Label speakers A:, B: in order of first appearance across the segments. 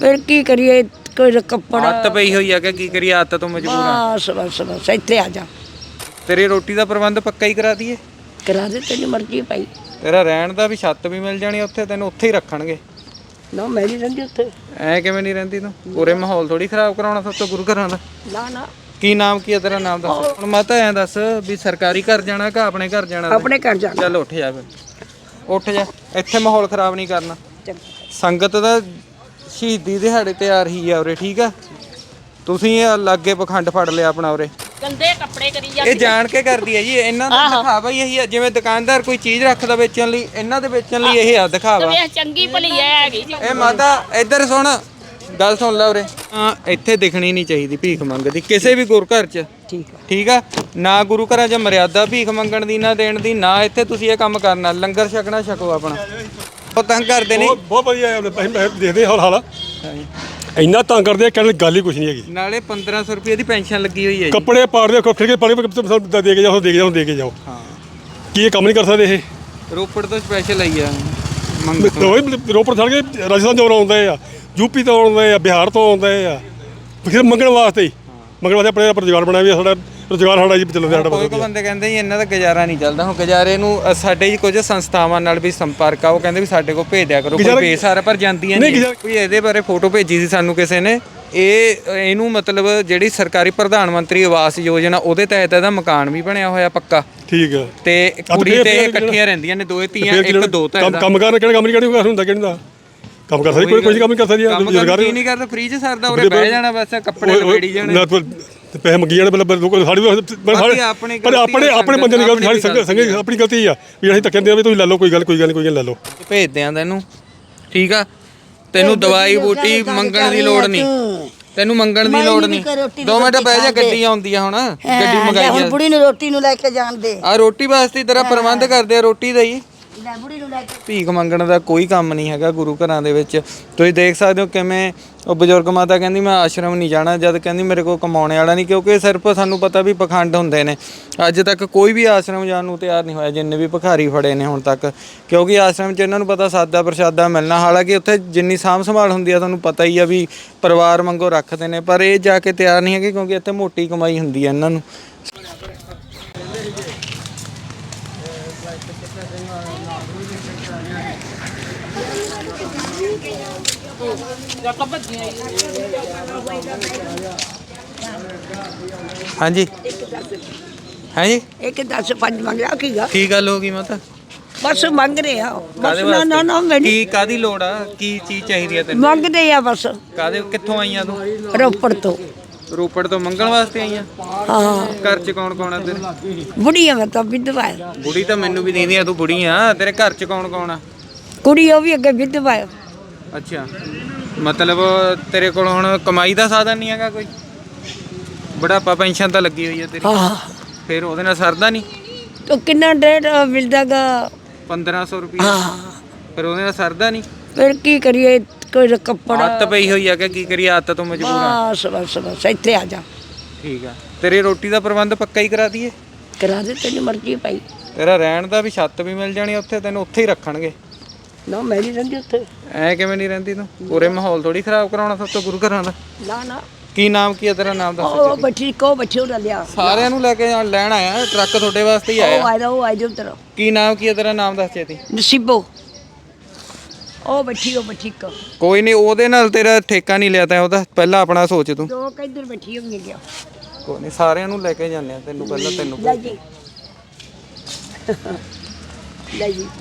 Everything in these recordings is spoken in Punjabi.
A: ਫਿਰ ਕੀ ਕਰੀਏ, ਕੋਈ ਕੱਪੜਾ
B: ਆਦਤ ਪਈ ਹੋਈ ਆ ਕਿ ਕੀ ਕਰੀਏ, ਆਦਤ ਤੋਂ ਮਜਬੂਰ ਆ।
A: ਬਸ ਬਸ ਬਸ ਇੱਥੇ ਆ ਜਾ,
B: ਤੇਰੀ ਰੋਟੀ ਦਾ ਪ੍ਰਬੰਧ ਪੱਕਾ ਹੀ ਕਰਾ ਦਈਏ।
A: ਕਰਾ ਦੇ, ਤੇਰੀ ਮਰਜ਼ੀ ਭਾਈ।
B: ਤੇਰਾ ਰਹਿਣ ਦਾ ਵੀ ਛੱਤ ਵੀ ਮਿਲ ਜਾਣੀ ਉੱਥੇ, ਤੈਨੂੰ ਉੱਥੇ ਹੀ ਰੱਖਣਗੇ।
A: ਨਾ ਮੈਂ ਨਹੀਂ ਰਹਿੰਦੀ ਉੱਥੇ।
B: ਐ ਕਿਵੇਂ ਨਹੀਂ ਰਹਿੰਦੀ ਤੂੰ? ਪੂਰੇ ਮਾਹੌਲ ਥੋੜੀ ਖਰਾਬ ਕਰਾਉਣਾ ਸਭ ਤੋਂ ਗੁਰੂ ਘਰਾਂ ਦਾ।
A: ਨਾ ਨਾ,
B: ਕੀ ਨਾਮ ਕੀ ਹੈ ਤੇਰਾ? ਨਾਮ ਦੱਸ। ਹੁਣ ਮਾਤਾ ਐਂ ਦੱਸ ਵੀ ਸਰਕਾਰੀ ਘਰ ਜਾਣਾ ਕਿ ਆਪਣੇ ਘਰ ਜਾਣਾ?
A: ਆਪਣੇ ਘਰ ਜਾਣਾ।
B: ਚੱਲ ਉੱਠ ਜਾ ਫਿਰ, ਉੱਠ ਜਾ, ਇੱਥੇ ਮਾਹੌਲ ਖਰਾਬ ਨਹੀਂ ਕਰਨਾ।
A: ਚੰਗਾ।
B: ਸੰਗਤ ਦਾ ਸ਼ਹੀਦੀ ਦਿਹਾੜੇ ਤੇ ਆ ਰਹੀ ਆ ਉਰੇ, ਠੀਕ ਆ? ਤੁਸੀਂ ਲਾਗੇ ਪਖੰਡ ਫੜ ਲਿਆ ਆਪਣਾ ਉਰੇ।
C: ਗੰਦੇ ਕੱਪੜੇ ਕਰੀ ਜਾਂਦੇ।
B: ਇਹ ਜਾਣ ਕੇ ਕਰਦੀ ਹੈ ਜੀ, ਇਹਨਾਂ ਦਾ ਦਿਖਾਵਾ ਹੀ ਇਹੀ ਆ। ਜਿਵੇਂ ਦੁਕਾਨਦਾਰ ਕੋਈ ਚੀਜ਼ ਰੱਖਦਾ ਵੇਚਣ ਲਈ, ਇਹਨਾਂ ਦੇ ਵੇਚਣ ਲਈ ਇਹ ਆ ਦਿਖਾਵਾ।
C: ਵੇਖ ਚੰਗੀ ਭਲੀ ਐ ਹੈਗੀ ਜੀ।
B: ਇਹ ਮਾਤਾ ਇੱਧਰ ਸੁਣ, ਗੱਲ ਸੁਣ ਲੈ ਉਰੇ। ਹਾਂ, ਇੱਥੇ ਦਿਖਣੀ ਨਹੀਂ ਚਾਹੀਦੀ ਭੀਖ ਮੰਗਦੀ ਕਿਸੇ ਵੀ ਗੁਰੂ ਘਰ 'ਚ,
A: ਠੀਕ ਆ।
B: ਠੀਕ ਆ ਨਾ? ਗੁਰੂ ਘਰਾਂ 'ਚ ਮਰਿਆਦਾ ਭੀਖ ਮੰਗਣ ਦੀ ਨਾ ਦੇਣ ਦੀ, ਨਾ ਇੱਥੇ ਤੁਸੀਂ ਇਹ ਕੰਮ ਕਰਨਾ। ਲੰਗਰ ਛਕਣਾ ਛਕੋ ਆਪਣਾ। ਉਹ ਤੰਗ ਕਰਦੇ ਨੇ।
D: ਬਹੁਤ ਵਧੀਆ ਆਪਣੇ ਪੈਸੇ ਦੇਖਦੇ ਹਾਲ ਇੰਨਾ ਤੰਗ ਕਰਦੇ ਆ, ਕਹਿਣ ਗੱਲ ਹੀ ਕੁਛ ਨਹੀਂ ਹੈਗੀ।
B: ਨਾਲੇ 1500 ਰੁਪਏ ਦੀ ਪੈਨਸ਼ਨ ਲੱਗੀ ਹੋਈ ਹੈ ਜੀ।
D: ਕੱਪੜੇ ਪਾੜਦੇ ਖਿੜ ਕੇ ਪਾਣੀ ਦੇ ਕੇ ਜਾਓ, ਦੇ ਕੇ ਜਾਓ, ਦੇ ਕੇ ਜਾਓ।
B: ਹਾਂ,
D: ਕੀ ਇਹ ਕੰਮ ਨਹੀਂ ਕਰ ਸਕਦੇ ਇਹ?
B: ਰੋਪੜ ਤੋਂ ਸਪੈਸ਼ਲ ਆਈ ਆ
D: ਰੋਪੜ ਛੱਡ ਕੇ ਰਾਜਸਥਾਨ ਤੋਂ ਆਉਂਦੇ ਆ, ਯੂਪੀ ਤੋਂ ਆਉਂਦੇ ਆ, ਬਿਹਾਰ ਤੋਂ ਆਉਂਦੇ ਆ, ਫਿਰ ਮੰਗਣ ਵਾਸਤੇ ਹੀ। ਮੰਗਣ ਵਾਸਤੇ ਆਪਣੇ ਰੁਜ਼ਗਾਰ ਬਣਾਇਆ ਵੀ ਸਾਡਾ ਰੁਜ਼ਗਾਰ ਸਾਡਾ ਜੀ ਚੱਲਦਾ ਸਾਡਾ।
B: ਕੋਈ ਬੰਦੇ ਕਹਿੰਦੇ ਜੀ ਇਹਨਾਂ ਦਾ ਗੁਜ਼ਾਰਾ ਨਹੀਂ ਚੱਲਦਾ। ਹੁਣ ਗੁਜ਼ਾਰੇ ਨੂੰ ਸਾਡੇ ਕੁਝ ਸੰਸਥਾਵਾਂ ਨਾਲ ਵੀ ਸੰਪਰਕ ਆ, ਉਹ ਕਹਿੰਦੇ ਵੀ ਸਾਡੇ ਕੋਲ ਭੇਜ ਦਿਆ ਕਰੋ, ਕੋਈ ਬੇਸਹਾਰਾ ਪਰ ਜਾਂਦੀਆਂ ਨਹੀਂ। ਕੋਈ ਇਹਦੇ ਬਾਰੇ ਫੋਟੋ ਭੇਜੀ ਸੀ ਸਾਨੂੰ ਕਿਸੇ ਨੇ। ਇਹਨੂੰ ਮਤਲਬ ਜਿਹੜੀ ਸਰਕਾਰੀ ਪ੍ਰਧਾਨ ਮੰਤਰੀ ਆਵਾਸ ਯੋਜਨਾ, ਉਹਦੇ ਤਹਿਤ ਇਹਦਾ ਮਕਾਨ ਵੀ ਬਣਿਆ ਹੋਇਆ ਪੱਕਾ।
D: ਠੀਕ ਆ।
B: ਤੇ ਕੁੜੀ ਤੇ ਇਕੱਠੀਆਂ ਰਹਿੰਦੀਆਂ ਨੇ, ਦੋਏ ਧੀਆਂ, ਇੱਕ ਦੋ ਤਾਂ
D: ਕੰਮ ਕਰਨ ਕਿਹੜਾ ਕੰਮ ਨਹੀਂ ਹੁੰਦਾ, ਕਿਹੜਾ ਕੰਮ ਕਰ ਸਕਦੀ? ਕੋਈ ਕੰਮ ਨਹੀਂ ਕਰ ਸਕਦੀ।
B: ਰੁਜ਼ਗਾਰ ਨਹੀਂ ਕਰਦਾ, ਫ੍ਰੀ 'ਚ ਸਰਦਾ, ਉਰੇ ਬਹਿ ਜਾਣਾ ਬਸ, ਕੱਪੜੇ ਲਵੇੜੀ ਜਾਣੇ,
D: ਪੈਸੇ ਮੰਗੀ ਜਾਣੇ। ਆਪਣੇ ਬੰਦੇ ਦੀ ਗਲਤੀ, ਸਾਡੀ ਆਪਣੀ ਗਲਤੀ ਆ ਵੀ ਅਸੀਂ ਧੱਕੇ ਦਿੰਦੇ ਆ ਵੀ ਤੁਸੀਂ ਲੈ ਲਓ, ਕੋਈ ਗੱਲ ਨਹੀਂ ਲੈ ਲਓ।
B: ਭੇਜਦੇ ਆ ਤੈਨੂੰ, ਠੀਕ ਆ? ਤੈਨੂੰ ਦਵਾਈ ਬੂਟੀ ਮੰਗਣ ਦੀ ਲੋੜ ਨਹੀਂ, ਤੈਨੂੰ ਮੰਗਣ ਦੀ ਲੋੜ ਨਹੀਂ। 2 ਮਿੰਟ ਬਹਿ ਜਾ, ਗੱਡੀ ਆਉਂਦੀ ਆ ਹੁਣ, ਗੱਡੀ ਮੰਗਾਈ ਆ।
A: ਹੁਣ ਬੁੜੀ ਨੂੰ ਰੋਟੀ ਨੂੰ ਲੈ ਕੇ ਜਾਣ ਦੇ।
B: ਆ ਰੋਟੀ ਵਾਸਤੇ ਤੇਰਾ ਪ੍ਰਬੰਧ ਕਰਦੇ ਆ, ਰੋਟੀ ਦਾ ਹੀ।
A: ਲੈ ਬੁੜੀ ਨੂੰ ਲੈ ਕੇ।
B: ਭੀਖ ਮੰਗਣ ਦਾ ਕੋਈ ਕੰਮ ਨਹੀਂ ਹੈਗਾ ਗੁਰੂ ਘਰਾਂ ਦੇ ਵਿੱਚ। ਤੁਸੀਂ ਦੇਖ ਸਕਦੇ ਹੋ ਕਿਵੇਂ ਉਹ ਬਜ਼ੁਰਗ ਮਾਤਾ ਕਹਿੰਦੀ ਮੈਂ ਆਸ਼ਰਮ ਨਹੀਂ ਜਾਣਾ, ਜਦ ਕਹਿੰਦੀ ਮੇਰੇ ਕੋਲ ਕਮਾਉਣੇ ਵਾਲਾ ਨਹੀਂ। ਕਿਉਂਕਿ ਸਿਰਫ ਸਾਨੂੰ ਪਤਾ ਵੀ ਪਖੰਡ ਹੁੰਦੇ ਨੇ। ਅੱਜ ਤੱਕ ਕੋਈ ਵੀ ਆਸ਼ਰਮ ਜਾਣ ਨੂੰ ਤਿਆਰ ਨਹੀਂ ਹੋਇਆ, ਜਿੰਨੇ ਵੀ ਭਿਖਾਰੀ ਫੜੇ ਨੇ ਹੁਣ ਤੱਕ। ਕਿਉਂਕਿ ਆਸ਼ਰਮ 'ਚ ਇਹਨਾਂ ਨੂੰ ਪਤਾ ਸਾਦਾ ਪ੍ਰਸ਼ਾਦਾ ਮਿਲਣਾ। ਹਾਲਾਂਕਿ ਉੱਥੇ ਜਿੰਨੀ ਸਾਂਭ ਸੰਭਾਲ ਹੁੰਦੀ ਆ ਤੁਹਾਨੂੰ ਪਤਾ ਹੀ ਆ ਵੀ ਪਰਿਵਾਰ ਵਾਂਗੂ ਰੱਖਦੇ ਨੇ, ਪਰ ਇਹ ਜਾ ਕੇ ਤਿਆਰ ਨਹੀਂ ਹੈਗੇ ਕਿਉਂਕਿ ਇੱਥੇ ਮੋਟੀ ਕਮਾਈ ਹੁੰਦੀ ਆ ਇਹਨਾਂ ਨੂੰ। ਹਾਂਜੀ ਹਾਂਜੀ,
A: ਇੱਕ 10 5 ਮੰਗ ਲਿਆ ਕੀਗਾ।
B: ਕੀ ਗੱਲ ਹੋ ਗਈ ਮਾਤਾ?
A: ਬਸ ਮੰਗ ਰਹੇ ਆ ਬਸ।
B: ਕਾਹਦੇ
A: ਨਾ ਮੈਨੂੰ
B: ਕੀ ਕਾਦੀ ਲੋੜ ਆ? ਕੀ ਚੀਜ਼ ਚਾਹੀਦੀ ਆ ਤੈਨੂੰ?
A: ਮੰਗਦੇ ਆ ਬਸ।
B: ਕਾਦੇ ਕਿੱਥੋਂ ਆਈਆਂ ਤੂੰ?
A: ਰੋਪੜ ਤੋਂ।
B: ਰੋਪੜ ਤੋਂ ਮੰਗਣ ਵਾਸਤੇ ਆਈਆਂ?
A: ਹਾਂ।
B: ਘਰ 'ਚ ਕੌਣ ਕੌਣ ਆ ਤੇਰੇ?
A: ਬੁੜੀ ਆ ਮੈਂ ਤਾਂ, ਵਿਧਵਾ ਆ।
B: ਬੁੜੀ ਤਾਂ ਮੈਨੂੰ ਵੀ ਦਿੰਦੀ ਆ, ਤੂੰ ਬੁੜੀ ਆ। ਤੇਰੇ ਘਰ 'ਚ ਕੌਣ ਕੌਣ ਆ?
A: ਕੁੜੀ ਉਹ ਵੀ ਅੱਗੇ ਵਿਧਵਾ ਆ।
B: ਅੱਛਾ, ਮਤਲਬ ਤੇਰੇ ਕੋਲ ਹੁਣ ਕਮਾਈ ਦਾ ਸਾਧਨ ਨਹੀਂ ਹੈਗਾ ਕੋਈ? ਬੁਢਾਪਾ ਪੈਨਸ਼ਨ ਤਾਂ ਲੱਗੀ ਹੋਈ ਹੈ ਤੇਰੀ,
A: ਹਾਂ।
B: ਫਿਰ ਉਹਦੇ ਨਾਲ ਸਰਦਾ ਨਹੀਂ?
A: ਤੋ ਕਿੰਨਾ ਰੇਟ ਮਿਲਦਾਗਾ?
B: 1500 ਰੁਪਏ।
A: ਹਾਂ।
B: ਫਿਰ ਉਹਦੇ ਨਾਲ ਸਰਦਾ ਨਹੀਂ?
A: ਫਿਰ ਕੀ ਕਰੀਏ, ਕੋਈ ਕੱਪੜਾ
B: ਆਦਤ ਪਈ ਹੋਈ ਆ ਕਿ ਕੀ ਕਰੀਏ, ਆਦਤ ਤੋਂ ਮਜਬੂਰ ਆ।
A: ਬਸ ਬਸ ਬਸ ਇੱਥੇ ਆ ਜਾ,
B: ਠੀਕ ਆ। ਤੇਰੀ ਰੋਟੀ ਦਾ ਪ੍ਰਬੰਧ ਪੱਕਾ ਹੀ ਕਰਾ ਦਈਏ।
A: ਕਰਾ ਦੇ, ਤੇਰੀ ਮਰਜ਼ੀ ਭਾਈ।
B: ਤੇਰਾ ਰਹਿਣ ਦਾ ਵੀ ਛੱਤ ਵੀ ਮਿਲ ਜਾਣੀ ਉੱਥੇ, ਤੈਨੂੰ ਉੱਥੇ ਹੀ ਰੱਖਣਗੇ।
A: ਨਾ ਮੈਂ ਨਹੀਂ ਰਹਿੰਦੀ ਉੱਥੇ।
B: ਐ ਕਿਵੇਂ ਨਹੀਂ ਰਹਿੰਦੀ ਤੂੰ? ਪੂਰੇ ਮਾਹੌਲ ਥੋੜੀ ਖਰਾਬ ਕਰਾਉਣਾ ਸਭ ਤੋਂ ਗੁਰੂ ਘਰਾਂ ਦਾ।
A: ਨਾ ਨਾ,
B: ਕੀ ਨਾਮ ਕੀ ਹੈ ਤੇਰਾ? ਨਾਮ ਦੱਸ।
A: ਉਹ ਬੱਚੀ ਕੋ ਬੱਚੇ ਉਹਦਾ ਲਿਆ।
B: ਸਾਰਿਆਂ ਨੂੰ ਲੈ ਕੇ ਲੈਣ ਆਇਆ, ਟਰੱਕ ਤੁਹਾਡੇ ਵਾਸਤੇ ਹੀ ਆਇਆ।
A: ਉਹ ਆਇਆ ਜੋ ਤੇਰਾ।
B: ਕੀ ਨਾਮ ਕੀ ਹੈ ਤੇਰਾ? ਨਾਮ ਦੱਸ ਛੇਤੀ।
A: ਨਸੀਬੋ। ਉਹ ਬੱਚੀ ਕੋ।
B: ਕੋਈ ਨਹੀਂ, ਉਹਦੇ ਨਾਲ ਤੇਰਾ ਠੇਕਾ ਨਹੀਂ ਲਿਆ ਤੈਂ ਉਹਦਾ, ਪਹਿਲਾਂ ਆਪਣਾ ਸੋਚ ਤੂੰ।
A: ਦੋ ਕਿੱਧਰ ਬੈਠੀ ਹੋਣੀ ਗਿਆ।
B: ਕੋਈ ਨਹੀਂ, ਸਾਰਿਆਂ ਨੂੰ ਲੈ ਕੇ ਜਾਂਦੇ ਆ, ਤੈਨੂੰ ਪਹਿਲਾਂ ਤੈਨੂੰ
A: ਲੈ ਜੀ ਲੈ ਜੀ।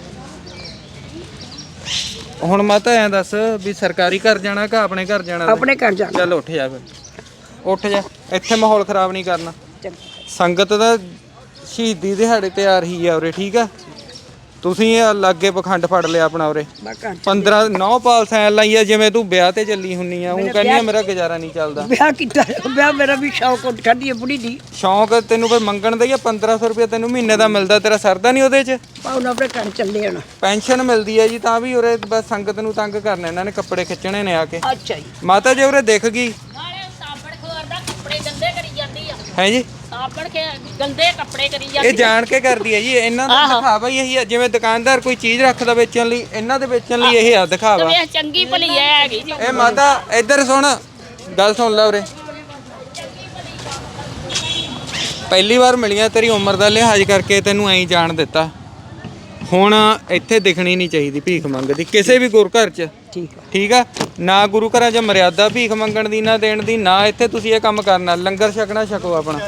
B: ਹੁਣ ਮਾਤਾ ਐਂ ਦੱਸ ਵੀ ਸਰਕਾਰੀ ਘਰ ਜਾਣਾ ਕਿ ਆਪਣੇ ਘਰ ਜਾਣਾ?
A: ਆਪਣੇ ਘਰ ਜਾਣਾ।
B: ਚੱਲ ਉੱਠ ਜਾ ਫਿਰ, ਉੱਠ ਜਾ, ਇੱਥੇ ਮਾਹੌਲ ਖਰਾਬ ਨਹੀਂ ਕਰਨਾ।
A: ਚੰਗਾ।
B: ਸੰਗਤ ਦਾ ਸ਼ਹੀਦੀ ਦਿਹਾੜੇ ਤੇ ਆ ਰਹੀ ਆ ਉਰੇ, ਠੀਕ ਆ? ਤੁਸੀਂ ਲਾਗੇ ਪਖੰਡ ਫੜ ਲਿਆ ਆਪਣਾ ਉਰੇ। 15 9 ਪਾਲਸਾਂ ਲਾਈਆਂ, ਜਿਵੇਂ ਤੂੰ ਵਿਆਹ ਤੇ ਚੱਲੀ ਹੁੰਨੀ ਆ। ਉਹ ਕਹਿੰਦੀ ਆ ਮੇਰਾ ਗੁਜ਼ਾਰਾ ਨਹੀਂ ਚੱਲਦਾ।
A: ਵਿਆਹ ਕੀਤਾ, ਵਿਆਹ ਮੇਰਾ ਵੀ ਸ਼ੌਕ ਉੱਠ ਖੜੀ ਹੈ ਬੁੜੀ ਦੀ।
B: ਸ਼ੌਂਕ ਤੈਨੂੰ ਫਿਰ ਮੰਗਣ ਦਾ ਹੀ ਆ। 1500 ਰੁਪਏ ਤੈਨੂੰ ਮਹੀਨੇ ਦਾ ਮਿਲਦਾ, ਤੇਰਾ ਸਰਦਾ ਨਹੀਂ ਉਹਦੇ 'ਚ?
A: ਹੁਣ ਆਪਣੇ ਘਰ ਚੱਲੇ ਹੁਣ।
B: ਪੈਨਸ਼ਨ ਮਿਲਦੀ ਹੈ ਜੀ, ਤਾਂ ਵੀ ਉਰੇ ਬਸ ਸੰਗਤ ਨੂੰ ਤੰਗ ਕਰਨਾ ਇਹਨਾਂ ਨੇ, ਕੱਪੜੇ ਖਿੱਚਣੇ ਨੇ ਆ ਕੇ।
A: ਅੱਛਾ ਜੀ।
B: ਮਾਤਾ ਜੇ ਉਰੇ ਦਿਖ ਗਈ
C: ਨਾਲੇ ਸਾਬਣ ਖੋਰ ਦਾ ਕੱਪੜੇ ਗੰਦੇ ਕਰੀ ਜਾਂਦੀ ਆ।
B: ਹੈ ਜੀ,
C: ਸਾਬਣ ਕੇ ਗੰਦੇ ਕੱਪੜੇ ਕਰੀ
B: ਇਹ
C: ਜਾਂਦੀ
B: ਜਾਣ ਕੇ ਕਰਦੀ ਹੈ ਜੀ, ਇਹਨਾਂ ਦਾ ਦਿਖਾਵਾ ਹੀ ਇਹੀ ਆ। ਜਿਵੇਂ ਦੁਕਾਨਦਾਰ ਕੋਈ ਚੀਜ਼ ਰੱਖਦਾ ਵੇਚਣ ਲਈ, ਇਹਨਾਂ ਦੇ ਵੇਚਣ ਲਈ ਇਹ ਆ ਦਿਖਾਵਾ।
C: ਵੇਖ ਚੰਗੀ ਭਲੀ ਐ ਹੈਗੀ ਜੀ
B: ਇਹ ਮਾਤਾ ਇੱਧਰ ਸੁਣ, ਗੱਲ ਸੁਣ ਲੈ ਉਰੇ। ਪਹਿਲੀ ਵਾਰ ਮਿਲੀਆਂ, ਤੇਰੀ ਉਮਰ ਦਾ ਲਿਹਾਜ਼ ਕਰਕੇ ਤੈਨੂੰ ਐਂ ਜਾਣ ਦਿੱਤਾ। ਹੁਣ ਇੱਥੇ ਦਿਖਣੀ ਨਹੀਂ ਚਾਹੀਦੀ ਭੀਖ ਮੰਗਦੀ ਕਿਸੇ ਵੀ ਗੁਰੂ ਘਰ 'ਚ। ਠੀਕ ਆ ਨਾ, ਗੁਰੂ ਘਰਾਂ 'ਚ ਮਰਿਆਦਾ ਭੀਖ ਮੰਗਣ ਦੀ, ਨਾ ਦੇਣ ਦੀ, ਨਾ ਇੱਥੇ ਤੁਸੀਂ ਇਹ ਕੰਮ ਕਰਨਾ। ਲੰਗਰ ਛਕਣਾ ਛਕੋ ਆਪਣਾ।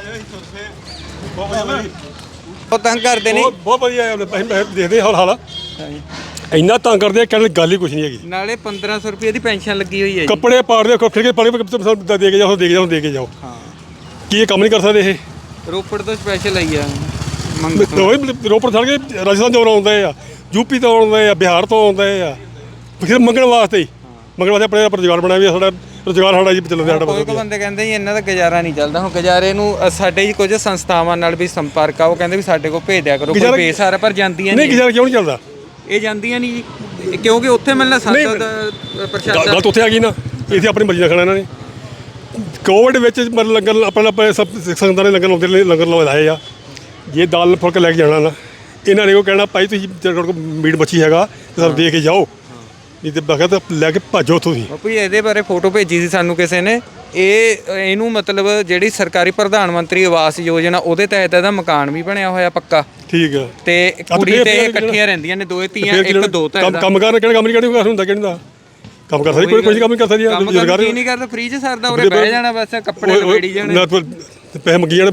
B: ਉਹ ਤੰਗ ਕਰਦੇ ਨੇ,
D: ਬਹੁਤ ਵਧੀਆ ਦੇਖਦੇ ਹਾਲ ਇੰਨਾ ਤੰਗ ਕਰਦੇ ਕਹਿਣ ਦੀ ਗੱਲ ਹੀ ਕੁਛ ਨਹੀਂ ਹੈਗੀ।
B: ਨਾਲੇ 1500 ਰੁਪਏ ਦੀ ਪੈਨਸ਼ਨ ਲੱਗੀ ਹੋਈ ਹੈ ਜੀ।
D: ਕੱਪੜੇ ਪਾੜਦੇ ਫਿਰ ਕੇ ਪਾੜੇ ਦੇ ਕੇ ਜਾਓ, ਦੇ ਕੇ ਜਾਓ, ਦੇ ਕੇ ਜਾਓ।
B: ਹਾਂ,
D: ਕੀ ਇਹ ਕੰਮ ਨਹੀਂ ਕਰ ਸਕਦੇ ਇਹ?
B: ਰੋਪੜ ਤੋਂ ਸਪੈਸ਼ਲ ਆਈ ਆ
D: ਰੋਪੜ ਛੱਡ ਕੇ ਰਾਜਸਥਾਨ ਤੋਂ ਆਉਂਦੇ ਆ, ਯੂਪੀ ਤੋਂ ਆਉਂਦੇ ਆ, ਬਿਹਾਰ ਤੋਂ ਆਉਂਦੇ ਆ, ਫਿਰ ਮੰਗਣ ਵਾਸਤੇ ਹੀ। ਮੰਗਣ ਵਾਸਤੇ ਆਪਣੇ ਰੁਜ਼ਗਾਰ ਬਣਾਇਆ ਵੀ ਸਾਡਾ ਰੁਜ਼ਗਾਰ ਸਾਡਾ ਜੀ ਚੱਲਦਾ ਸਾਡਾ।
B: ਕੋਈ ਬੰਦੇ ਕਹਿੰਦੇ ਜੀ ਇਹਨਾਂ ਦਾ ਗੁਜ਼ਾਰਾ ਨਹੀਂ ਚੱਲਦਾ। ਹੁਣ ਗੁਜ਼ਾਰੇ ਨੂੰ ਸਾਡੇ ਜੀ ਕੁਝ ਸੰਸਥਾਵਾਂ ਨਾਲ ਵੀ ਸੰਪਰਕ ਆ, ਉਹ ਕਹਿੰਦੇ ਵੀ ਸਾਡੇ ਕੋਲ ਭੇਜ ਦਿਆ ਕਰੋ ਕੋਈ ਬੇਸਹਾਰਾ, ਪਰ ਜਾਂਦੀਆਂ
D: ਨਹੀਂ। ਗੁਜ਼ਾਰਾ ਕਿਉਂ ਨਹੀਂ ਚੱਲਦਾ?
B: ਇਹ ਜਾਂਦੀਆਂ ਨਹੀਂ ਜੀ, ਕਿਉਂਕਿ ਉੱਥੇ ਮਿਲਣਾ ਸੰਸਦ ਦਾ ਪ੍ਰਸ਼ਾਸਨ।
D: ਗੱਲ ਤਾਂ ਉੱਥੇ ਆ ਗਈ ਨਾ, ਇੱਥੇ ਆਪਣੀ ਮਰਜ਼ੀ ਨਾਲ ਖਾਣਾ ਇਹਨਾਂ ਨੇ। ਕੋਵਿਡ ਵਿੱਚ ਮਤਲਬ ਲੰਗਰ ਆਪਣੇ ਸੰਗਤਾਂ ਨੇ ਲੰਗਰ ਲਾਉਂਦੇ, ਲੰਗਰ ਲਵਾਏ ਆ। ਜੇ ਦਾਲ ਫੁਲਕਾ ਲੈ ਕੇ ਜਾਣਾ ਨਾ, ਇਹਨਾਂ ਨੇ ਉਹ ਕਹਿਣਾ ਭਾਈ ਤੁਸੀਂ ਤੁਹਾਡੇ ਕੋਲ ਮੀਟ ਮੱਛੀ ਹੈਗਾ ਤਾਂ ਸਾਨੂੰ ਦੇ ਕੇ ਜਾਓ, ਨਹੀਂ ਤੇ ਬਖਤ ਲੈ ਕੇ ਭੱਜੋ ਤੁਸੀਂ।
B: ਬਾਪੂ ਇਹਦੇ ਬਾਰੇ ਫੋਟੋ ਭੇਜੀ ਸੀ ਸਾਨੂੰ ਕਿਸੇ ਨੇ। ਇਹਨੂੰ ਮਤਲਬ ਜਿਹੜੀ ਸਰਕਾਰੀ ਪ੍ਰਧਾਨ ਮੰਤਰੀ ਆਵਾਸ ਯੋਜਨਾ, ਉਹਦੇ ਤਹਿਤ ਇਹਦਾ ਮਕਾਨ ਵੀ ਬਣਿਆ ਹੋਇਆ ਪੱਕਾ।
D: ਠੀਕ ਆ।
B: ਤੇ ਕੁੜੀ ਤੇ ਇਕੱਠੀਆਂ ਰਹਿੰਦੀਆਂ ਨੇ, ਦੋਏ ਧੀਆਂ, ਇੱਕ ਦੋ ਤਾਂ
D: ਕੰਮ ਕਰਨ ਕਿਹੜਾ ਕੰਮ ਨਹੀਂ ਕਰਦਾ ਹੁੰਦਾ, ਕਿਹੜਾ ਕੰਮ ਕਰ ਸਕਦੀ ਕੋਈ ਕੰਮ ਨਹੀਂ ਕਰ ਸਕਦੀ।
B: ਰੁਜ਼ਗਾਰ ਨਹੀਂ ਕਰਦਾ, ਫ੍ਰੀ ਚ ਸਰਦਾ, ਉਰੇ ਬਹਿ ਜਾਣਾ ਬਸ, ਕੱਪੜੇ ਲਵੇੜੀ ਜਾਣੇ,
D: ਪੈਸੇ ਮੰਗੀ ਜਾਣੇ।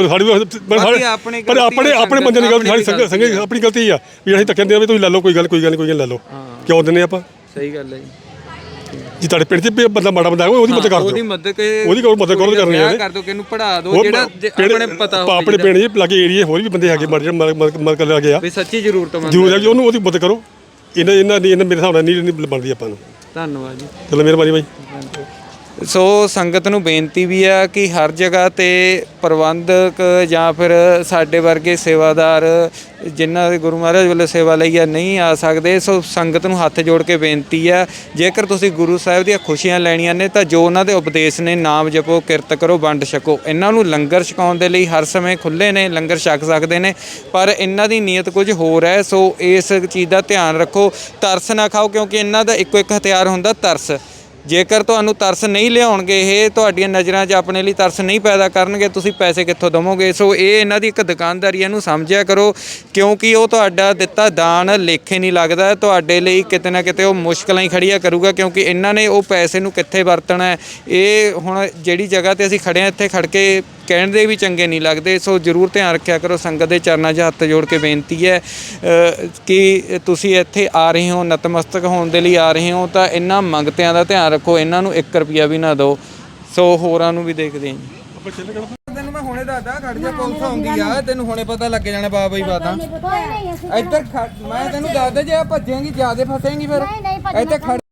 D: ਪਰ ਆਪਣੇ ਬੰਦੇ ਦੀ ਗਲਤੀ, ਸਾਡੀ ਸੰਗੇ ਆਪਣੀ ਗਲਤੀ ਆ ਵੀ ਅਸੀਂ ਧੱਕੇ ਦਿੰਦੇ ਆ ਵੀ ਤੁਸੀਂ ਲੈ ਲਓ, ਕੋਈ ਗੱਲ ਨਹੀਂ ਲੈ ਲਓ। ਕਿਉਂ ਦਿੰਦੇ ਆਪਾਂ?
B: ਸਹੀ ਗੱਲ ਹੈ
D: ਜੀ। ਤੁਹਾਡੇ ਪਿੰਡ 'ਚ ਬੰਦਾ ਮਾੜਾ ਬੰਦਾ ਉਹਦੀ ਮਦਦ ਕਰ ਦਿਓ, ਉਹਦੀ ਮਦਦ ਕਰਨੀ ਹੈ।
B: ਕਰ ਦਿਓ, ਕਿਹਨੂੰ ਪੜਾ ਦਿਓ, ਜਿਹੜਾ ਆਪਣੇ ਪਤਾ
D: ਆਪਣੇ ਪਿੰਡ 'ਚ ਲਾਗੇ ਏਰੀਏ ਹੋਰ ਵੀ ਬੰਦੇ ਹੈਗੇ ਮਦਦ ਕਰ ਲੱਗੇ ਆ
B: ਵੀ ਸੱਚੀ ਜ਼ਰੂਰਤਮੰਦ
D: ਜ਼ਰੂਰ ਹੈ ਜੀ, ਉਹਨੂੰ ਉਹਦੀ ਮਦਦ ਕਰੋ। ਇਹਨਾਂ ਮੇਰੇ ਹਿਸਾਬ ਨਾਲ ਨਹੀਂ ਬਣਦੀ ਆਪਾਂ ਨੂੰ।
B: ਧੰਨਵਾਦ ਜੀ,
D: ਚਲੋ ਮਿਹਰਬਾਨੀ ਬਾਈ।
B: ਸੋ ਸੰਗਤ ਨੂੰ ਬੇਨਤੀ ਵੀ ਆ ਕਿ ਹਰ ਜਗ੍ਹਾ ਤੇ ਪ੍ਰਬੰਧਕ ਜਾਂ ਫਿਰ ਸਾਡੇ ਵਰਗੇ ਸੇਵਾਦਾਰ ਜਿਨ੍ਹਾਂ ਦੇ ਗੁਰੂ ਮਹਾਰਾਜ ਵੱਲੋਂ ਸੇਵਾ ਲਈ ਆ ਨਹੀਂ ਆ ਸਕਦੇ। ਸੋ ਸੰਗਤ ਨੂੰ ਹੱਥ ਜੋੜ ਕੇ ਬੇਨਤੀ ਆ, ਜੇਕਰ ਤੁਸੀਂ ਗੁਰੂ ਸਾਹਿਬ ਦੀਆਂ ਖੁਸ਼ੀਆਂ ਲੈਣੀਆਂ ਨੇ ਤਾਂ ਜੋ ਉਹਨਾਂ ਦੇ ਉਪਦੇਸ਼ ਨੇ, ਨਾਮ ਜਪੋ, ਕਿਰਤ ਕਰੋ, ਵੰਡ ਛਕੋ। ਇਹਨਾਂ ਨੂੰ ਲੰਗਰ ਛਕਾਉਣ ਦੇ ਲਈ ਹਰ ਸਮੇਂ ਖੁੱਲ੍ਹੇ ਨੇ, ਲੰਗਰ ਛਕ ਸਕਦੇ ਨੇ, ਪਰ ਇਹਨਾਂ ਦੀ ਨੀਅਤ ਕੁਝ ਹੋਰ ਹੈ। ਸੋ ਇਸ ਚੀਜ਼ ਦਾ ਧਿਆਨ ਰੱਖੋ, ਤਰਸ ਨਾ ਖਾਓ, ਕਿਉਂਕਿ ਇਹਨਾਂ ਦਾ ਇੱਕੋ ਇੱਕ ਹਥਿਆਰ ਹੁੰਦਾ ਤਰਸ। ਜੇਕਰ ਤੁਹਾਨੂੰ ਤਰਸ ਨਹੀਂ ਲਿਆਉਣਗੇ, ਇਹ ਤੁਹਾਡੀਆਂ ਨਜ਼ਰਾਂ 'ਚ ਆਪਣੇ ਲਈ ਤਰਸ ਨਹੀਂ ਪੈਦਾ ਕਰਨਗੇ, ਤੁਸੀਂ ਪੈਸੇ ਕਿੱਥੋਂ ਦੇਵੋਗੇ? ਸੋ ਇਹ ਇਹਨਾਂ ਦੀ ਇੱਕ ਦੁਕਾਨਦਾਰੀ, ਇਹਨੂੰ ਸਮਝਿਆ ਕਰੋ, ਕਿਉਂਕਿ ਉਹ ਤੁਹਾਡਾ ਦਿੱਤਾ ਦਾਨ ਲੇਖੇ ਨਹੀਂ ਲੱਗਦਾ। ਤੁਹਾਡੇ ਲਈ ਕਿਤੇ ਨਾ ਕਿਤੇ ਉਹ ਮੁਸ਼ਕਲਾਂ ਹੀ ਖੜੀਆਂ ਕਰੂਗਾ, ਕਿਉਂਕਿ ਇਹਨਾਂ ਨੇ ਉਹ ਪੈਸੇ ਨੂੰ ਕਿੱਥੇ ਵਰਤਣਾ ਹੈ। ਇਹ ਹੁਣ ਜਿਹੜੀ ਜਗ੍ਹਾ 'ਤੇ ਅਸੀਂ ਖੜ੍ਹੇ ਹਾਂ, ਇੱਥੇ ਖੜ੍ਹ ਕੇ ਕਹਿਣ ਦੇ ਵੀ ਚੰਗੇ ਨਹੀਂ ਲੱਗਦੇ। ਸੋ ਜ਼ਰੂਰ ਧਿਆਨ ਰੱਖਿਆ ਕਰੋ। ਸੰਗਤ ਦੇ ਚਰਨਾਂ 'ਚ ਹੱਥ ਜੋੜ ਕੇ ਬੇਨਤੀ ਹੈ ਕਿ ਤੁਸੀਂ ਇੱਥੇ ਆ ਰਹੇ ਹੋ, ਨਤਮਸਤਕ ਹੋਣ ਦੇ ਲਈ ਆ ਰਹੇ ਹੋ, ਤਾਂ ਇਹਨਾਂ ਮੰਗਤਿਆਂ ਦਾ ਧਿਆਨ ਰੱਖੋ, ਇਹਨਾਂ ਨੂੰ 1 ਰੁਪਿਆ ਵੀ ਨਾ ਦਿਓ। ਸੋ ਹੋਰਾਂ ਨੂੰ ਵੀ ਦੇਖਦੇ ਹਾਂ ਜੀ। ਤੈਨੂੰ ਮੈਂ ਹੁਣੇ ਦੱਸਦਾ, ਖੜ ਜਾ, ਪੁਲਿਸ ਆਉਂਦੀ ਆ, ਤੈਨੂੰ ਹੁਣੇ ਪਤਾ ਲੱਗ ਜਾਣਾ ਬਾਬਾ ਜੀ ਬਾਤਾਂ। ਇੱਧਰ ਮੈਂ ਤੈਨੂੰ ਦੱਸਦਾ, ਜੇ ਭੱਜੇਂਗੀ ਜ਼ਿਆਦਾ ਫਸੇਂਗੀ ਫਿਰ। ਇੱਥੇ